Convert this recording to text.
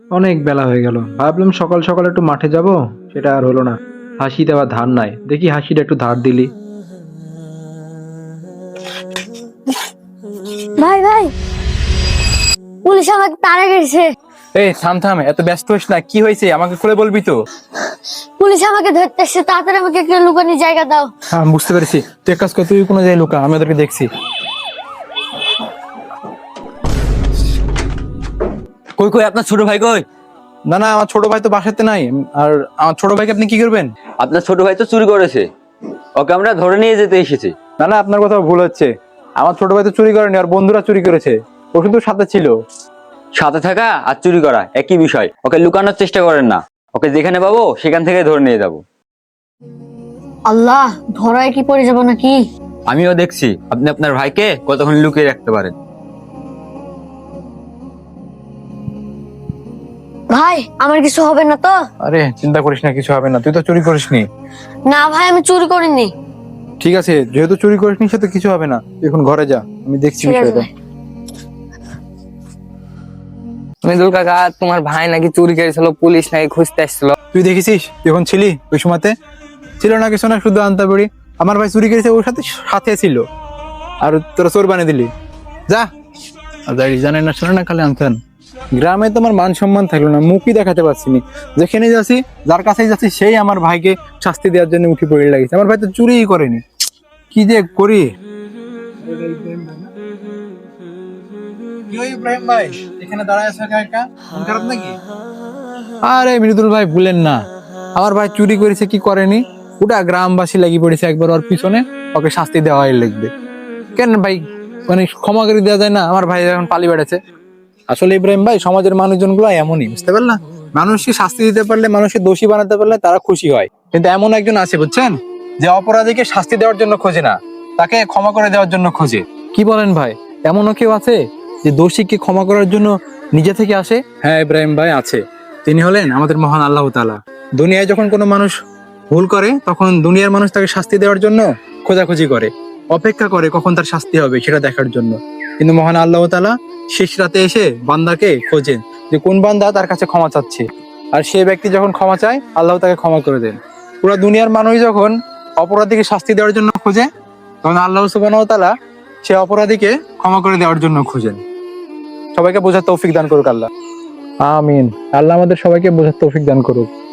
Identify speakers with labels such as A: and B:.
A: অনেক বেলা হয়ে গেল, ভাবলাম সকাল সকাল একটু মাঠে যাব, সেটা আর হলো না। হাসিতে আবার ধার নাই, দেখি হাসিটা একটু ধার দিলি।
B: ভাই ভাই, পুলিশ আমাকে তাড়া করেছে।
C: এই থাম থাম, এত ব্যস্ত হইস না, কি হয়েছে আমাকে খুলে বলবি তো।
B: পুলিশ আমাকে ধরতে এসছে, তাড়াতাড়ি আমাকে একটা লুকানোর জায়গা দাও।
C: হ্যাঁ আমি বুঝতে পেরেছি, তুই এক কাজ কর, তুই কোনো জায়গায় লুকা, আমি ওদেরকে দেখছি।
D: কই কই আপনার ছোট ভাই কই?
C: না না, আমার ছোট ভাই তো বাসাতে নাই। আর আমার ছোট ভাইকে আপনি কি করবেন?
D: আপনার ছোট ভাই তো চুরি করেছে, ওকে আমরা ধরে নিয়ে যেতে এসেছি।
C: না না, আপনার কথা ভুল হচ্ছে। আমার ছোট ভাই তো চুরি করেনি, আর বন্ধুরা চুরি করেছে। ও শুধু সাথে ছিল।
D: সাথে থাকা আর চুরি করা একই বিষয়, ওকে লুকানোর চেষ্টা করেন না। ওকে যেখানে পাবো সেখান থেকে ধরে নিয়ে যাব।
B: আল্লাহ, ধরায় কি পড়ে যাবো নাকি?
D: আমিও দেখছি আপনি আপনার ভাইকে কতক্ষণ লুকিয়ে রাখতে পারেন।
B: ভাই, আমার কিছু হবে না তো?
C: আরে চিন্তা করিস না, কিছু হবে না, তুই তো চুরি করিসনি।
B: না ভাই, আমি চুরি করিনি।
C: ঠিক আছে, যেহেতু চুরি করিসনি সে তো কিছু হবে না, তুই এখন ঘরে যা, আমি দেখছি
B: ঠিক আছে
C: বিষয়টা।
B: ভাই।
E: মৃদুল কাকা, তোমার ভাই নাকি চুরি করেছিল, পুলিশ নাকি খুঁজতে আসছিল।
C: তুই দেখেছিস তুই এখন ছিলি ওই সময়তে? ছিল না কিছু না, শুধু আনতে পারি। আমার ভাই চুরি করেছে, ওর সাথে সাথে ছিল, আর তোরা চোর বানিয়ে দিলি। যা। আর জানে না শোনে না, খালি আনতেন। গ্রামে তোমার মান সম্মান থাকলো না, মুখই দেখাতে পারছি না। যেখানে যাচ্ছি, যার কাছেই যাচ্ছি, সেই আমার ভাইকে শাস্তি দেওয়ার জন্য উঠে পড়ে লাগিয়েছে। আমার ভাই তো চুরিই করেনি, কি যে করি। ইব্রাহিম ভাই, এখানে দাঁড়ায় আছে একা একা, মন খারাপ নাকি? আরে মৃদুল ভাই, ভুলেন না, আমার ভাই চুরি করেছে কি করেনি, ওটা গ্রামবাসী লাগি পড়েছে একবার ওর পিছনে, ওকে শাস্তি দেওয়াই লাগবে। কেন ভাই, মানে ক্ষমা করে দেওয়া যায় না? আমার ভাই এখন পালি বেড়েছে। আসলে ইব্রাহিম ভাই, সমাজের মানুষজন গুলো এমনই, বুঝতে পারলা? মানুষকে শাস্তি দিতে পারলে, মানুষকে দোষী বানাতে পারলে তারা খুশি হয়। কিন্তু এমন একজন আছে বুঝছেন, যে অপরাধীকে শাস্তি দেওয়ার জন্য খোঁজে না, তাকে ক্ষমা করে দেওয়ার জন্য খোঁজে। কি বলেন ভাই, এমনও কেউ আছে যে দোষীকে ক্ষমা করার জন্য নিজে থেকে আসে? হ্যাঁ ইব্রাহিম ভাই, আছে। তিনি হলেন আমাদের মহান আল্লাহ তাআলা। দুনিয়ায় যখন কোনো মানুষ ভুল করে, তখন দুনিয়ার মানুষ তাকে শাস্তি দেওয়ার জন্য খোঁজাখুঁজি করে, অপেক্ষা করে কখন তার শাস্তি হবে সেটা দেখার জন্য। কিন্তু মহান আল্লাহ তাআলা শেষ রাতে এসে বান্দাকে খোঁজেন, যে কোন বান্দা তার কাছে ক্ষমা চাচ্ছে। আর সেই ব্যক্তি যখন ক্ষমা চায়, আল্লাহ তাকে ক্ষমা করে দেন। পুরো দুনিয়ার মানুষ যখন অপরাধীকে শাস্তি দেওয়ার জন্য খোঁজে, তখন আল্লাহ সুবহানাহু ওয়া তাআলা সে অপরাধীকে ক্ষমা করে দেওয়ার জন্য খোঁজেন। সবাইকে বোঝার তৌফিক দান করুক আল্লাহ। আমিন। আল্লাহ আমাদের সবাইকে বোঝার তৌফিক দান করুক।